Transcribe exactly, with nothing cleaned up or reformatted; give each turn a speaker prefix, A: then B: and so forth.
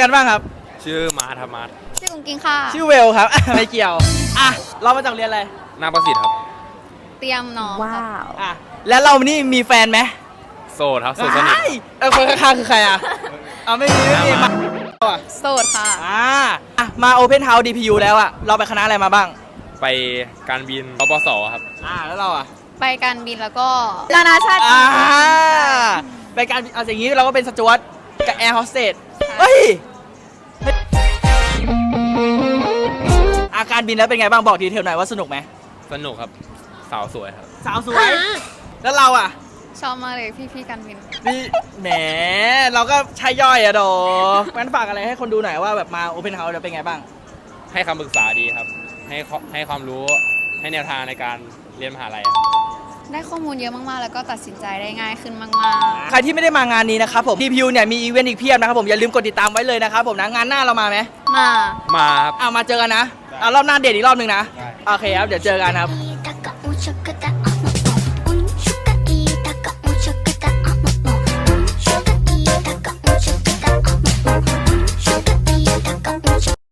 A: กันบ้างครับ
B: ชื่อมาร์ทครับมาร์ท
C: ชื่อกุ้งกิ้งค่ะ
A: ชื่อเวลครับ ไม่เกี่ยวอ่ะเรามาจากเรียนอะไร
B: นาประสิทธิ์ครับ
C: เตรียมน้องว้าว
A: อ่ะแล้วเรานี่มีแฟนไหม
B: โสดครับโสดสนิท
A: เออคนข้างๆคือใครอ่ะเอาไม่มีไม่มีมา
C: โสดค่ะ
A: อ่าอ่ะมา Open House ดี พี ยู แล้วอ่ะเราไปคณะอะไรมาบ้าง
B: ไปการบินปปสครับ
A: อ่าแล้วเราอ่ะ
C: ไปการบินแล้วก็นานาชาติ
A: อ่าไปการเอาอย่างนี้เราก็เป็นสจ๊วตกับแอร์โฮสเตสเฮ้ยอาการบินแล้วเป็นไงบ้างบอกดีเทลหน่อยว่าสนุกไหม
B: สนุกครับสาวสวยครับ
A: สาวสวยแล้วเราอ่ะ
C: ชอบมากเลยพี่ๆการบิน
A: นี่แหมเราก็ใช่ย่อยอะโดงั้นฝากอะไรให้คนดูหน่อยว่าแบบมา Open House จะเป็นไงบ้าง
B: ให้คำปรึกษาดีครับให้ให้ความรู้ให้แนวทางในการเรียนมหาลัย
C: ได้ข้อมูลเยอะมากๆแล้วก็ตัดสินใจได้ง่ายขึ้นมาก
A: ๆใครที่ไม่ได้มางานนี้นะครับผม ดี พี ยู เนี่ยมีอีเวนต์อีกเพียบนะครับผมอย่าลืมกดติดตามไว้เลยนะครับผมนะงานหน้าเรามาไหม
C: มา
B: มาครับ
A: อ่ามาเจอกันนะอ่ารอบหน้าเดทอีกรอบหนึ่งนะโอเคครับเดี๋ยวเจอกันครับ